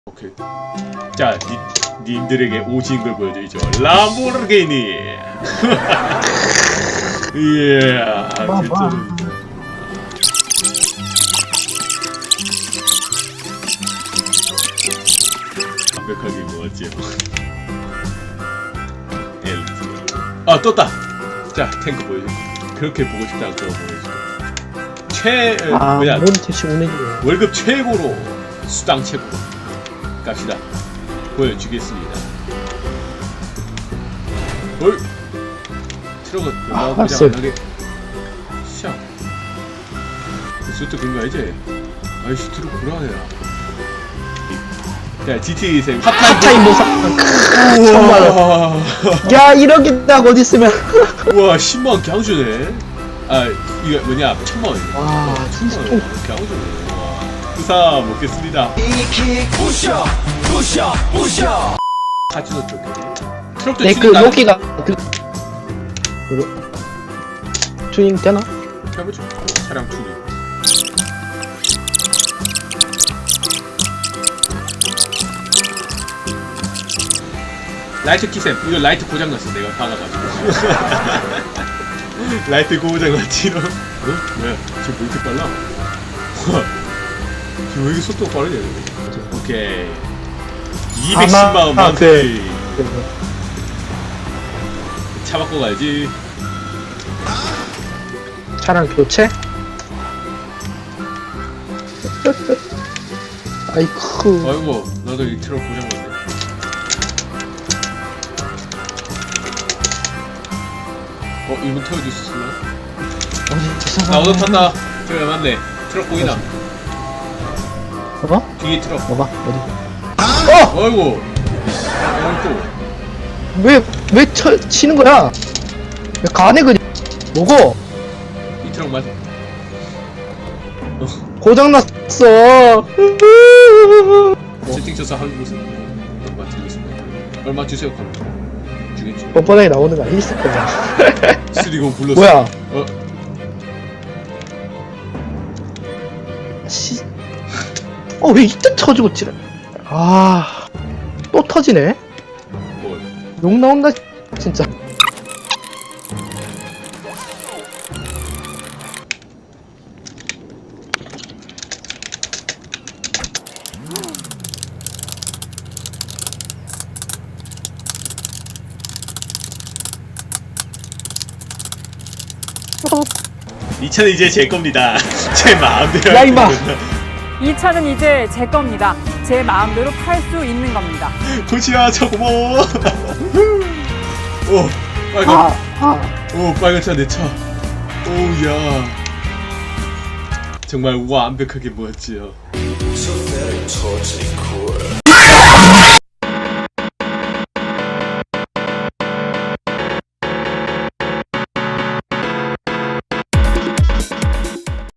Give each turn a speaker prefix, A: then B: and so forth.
A: 오케이. 자, 님들에게 오진 걸 보여드리죠. 람보르기니. 예, 진짜. 완벽하게 모았지요. 엘트. 아, 떴다. 자, 탱크 보여줘. 그렇게 보고 싶다고 보여줄게. 뭐냐?
B: 뭔 대체 오는
A: 월급 최고로 수당 최고 갑시다. 보여주겠습니다. 헐. 트럭은 그냥 안하게. 샤. 수트 근거 알지? 아이씨, 트럭 불안해라. 자, GTA 생
B: 핫타임 보상. 정말. 야, 이렇게 딱 어디 있으면.
A: 우와, 10만 경주네. 아, 이거 뭐냐? 1000만원.
B: 와,
A: 1000만원. 경주네. 와. 부사 먹겠습니다.
C: 부셔 부셔 부셔.
A: 카지노 쪽에. 트럭도
B: 네, 그 로키가 튜닝 되나?
A: 해보죠. 차량 투리. 라이트 키셈. 이거 라이트 고장났어. 내가 박아가지고. 라이트 고장났지. 너? 뭐야? 지금 왜 이렇게 빨라? 지금 왜 이렇게 속도가 빠르냐? 오케이. 210만원 만세. 차 바꿔 가야지.
B: 차량 교체? 아이쿠.
A: 아이고, 나도 이 트럭 고장났네. 이분 태워줄 수 있나? 나 오늘 탔다. 저기 맞네. 트럭 보이나?
B: 어?
A: 뒤에 트럭.
B: 봐봐, 어디?
A: 아이고.
B: 왜 치는 거야? 왜 가네, 그냥. 뭐고?
A: 이 트럭 맞아.
B: 고장났어.
A: 세팅 쳐서 하는 곳은 얼마 드리겠습니다. 얼마 주세요, 그럼. 주겠지.
B: 뻔뻔하게 나오는 거 아니었을 거야.
A: 쓰리고 불렀어.
B: 뭐야? 왜 이때 터지고 지랄. 또 터지네?
A: 뭘?
B: 욕 나온다, 진짜.
A: 이 차는 이제 제 겁니다. 제 마음대로.
B: 야, 임마!
D: 이 차는 이제 제 겁니다. 제 마음대로 팔 수 있는 겁니다.
A: 코치야, 저 고마워. 오, 빨간. 오, 빨간 차 내 차. 오우야. 정말 완벽하게 모았지요.
C: 소매를 터지고